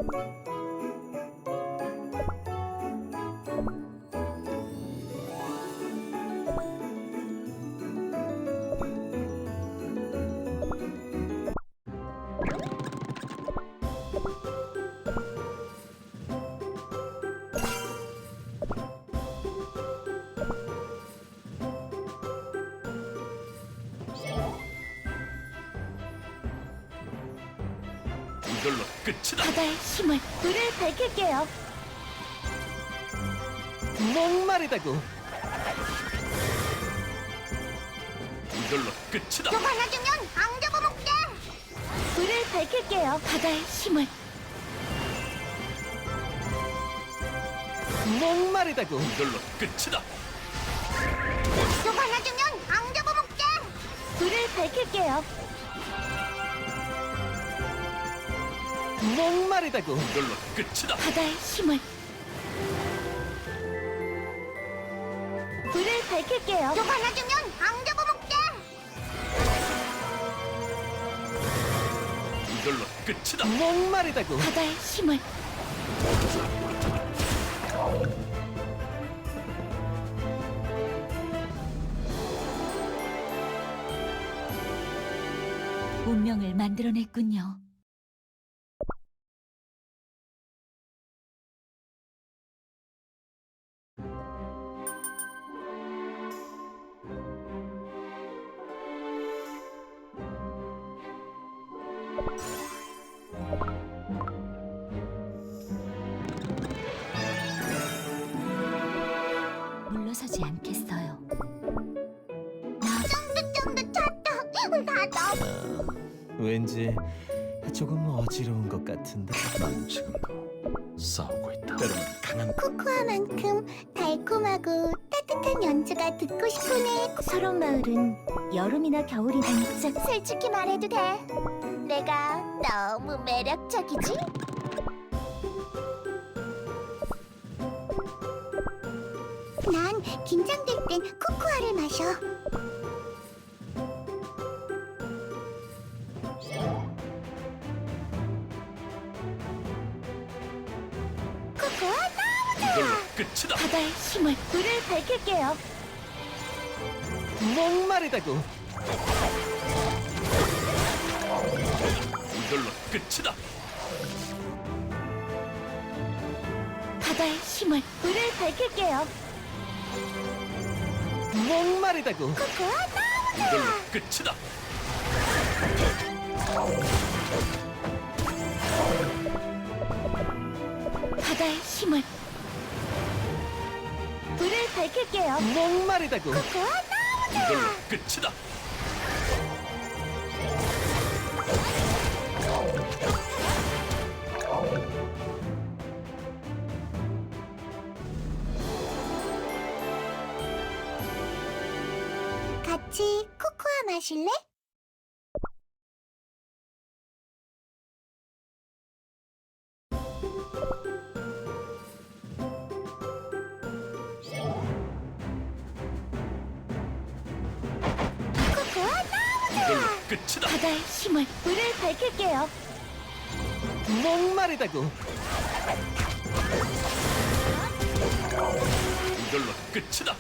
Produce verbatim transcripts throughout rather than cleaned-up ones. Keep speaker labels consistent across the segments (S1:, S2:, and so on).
S1: 이걸로 끝이다.
S2: 바다의 힘을 불을 밝힐게요.
S3: 목마르다고.
S1: 이걸로 끝이다.
S2: 좀 하나 주면 안 잡아먹게. 불을 밝힐게요. 바다의 힘을
S3: 목마르다고.
S1: 이걸로 끝이다.
S2: 좀 하나 주면 안 잡아먹게. 불을 밝힐게요.
S3: 목마르다고.
S1: 이걸로 끝이다.
S2: 바다의 힘을 불을 밝힐게요. 좀 하나 주면 안 잡아먹게.
S1: 이걸로 끝이다.
S3: 목마르다고.
S2: 바다의 힘을 운명을 만들어냈군요. 물러서지 않겠어요. 쫀득쫀득 찼다. 나도.
S3: 왠지 조금 어지러운 것 같은데.
S1: 난 지금도 싸우고 있다. 때로는 강한
S2: 코코아만큼 달콤하고 따뜻한 연주가 듣고 싶으네. 서론 마을은 여름이나 겨울이 반짝. 솔직히 말해도 돼. 내가 너무 매력적이지? 난 긴장될 땐 코코아를 마셔. 코코아 너무 좋아.
S1: 이걸로 끝이다.
S2: 바다의 힘을 불을 밝힐게요.
S3: 목마르다고.
S1: 이걸로 끝이다.
S2: 바다의 힘을 불을 밝힐게요.
S3: 목마르다고.
S2: 코코아 너무
S1: 이걸로
S2: 좋아.
S1: 끝이다.
S2: 바다의 힘을 불을 밝힐게요.
S3: 목마르다고.
S2: 코코아 너무 좋아.
S1: 이걸로 끝이다.
S2: 같이 코코아 마실래? 코코아 너무
S1: 이걸로
S2: 좋아.
S1: 끝이다.
S2: 바다의 힘을 불을 밝힐게요.
S3: 목마르다고.
S1: 이걸로 끝이다.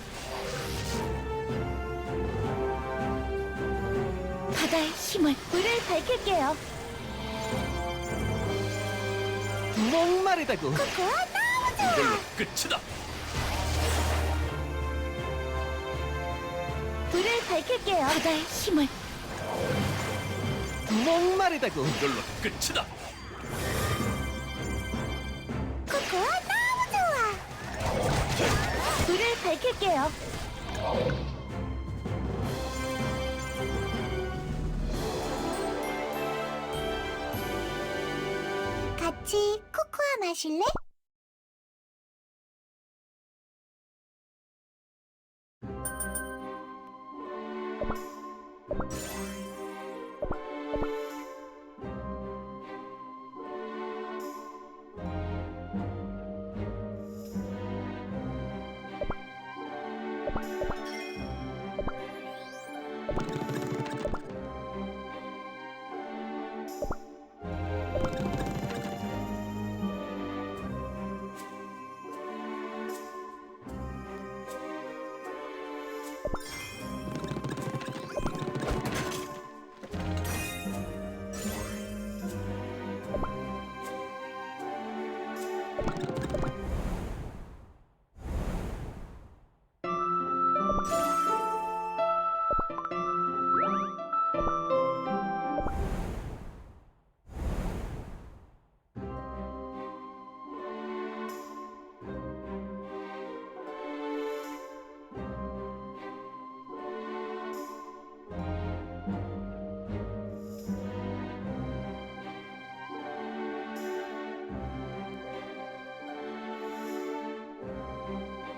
S2: 바다의 힘을 불을 밝힐게요.
S3: 목마르다고.
S2: 코코아 너무 좋아.
S1: 이걸로 끝이다.
S2: 불을 밝힐게요. 바다의 힘을
S3: 목마르다고.
S1: 이걸로 끝이다.
S2: 코코아 너무 좋아. 불을 밝힐게요. 같이 코코아 마실래?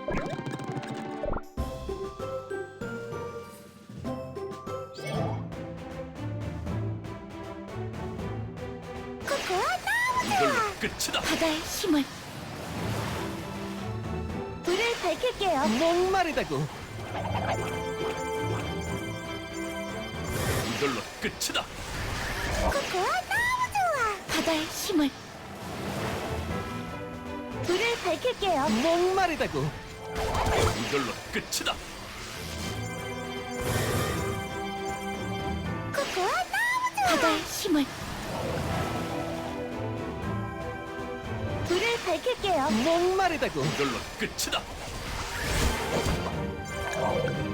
S2: 코코아 너무
S1: 이걸로
S2: 좋아.
S1: 끝이다.
S2: 바다의 힘을. 불을 밝힐게요.
S3: 목마르다고.
S1: 이걸로 끝이다.
S2: 코코아 너무 좋아. 바다의 힘을. 불을 밝힐게요.
S3: 목마르다고.
S1: 이걸로 끝이다.
S2: 코코아 너무 좋아. 바다의 힘을. 불을 밝힐게요.
S3: 목마르다고.
S1: 이걸로 끝이다.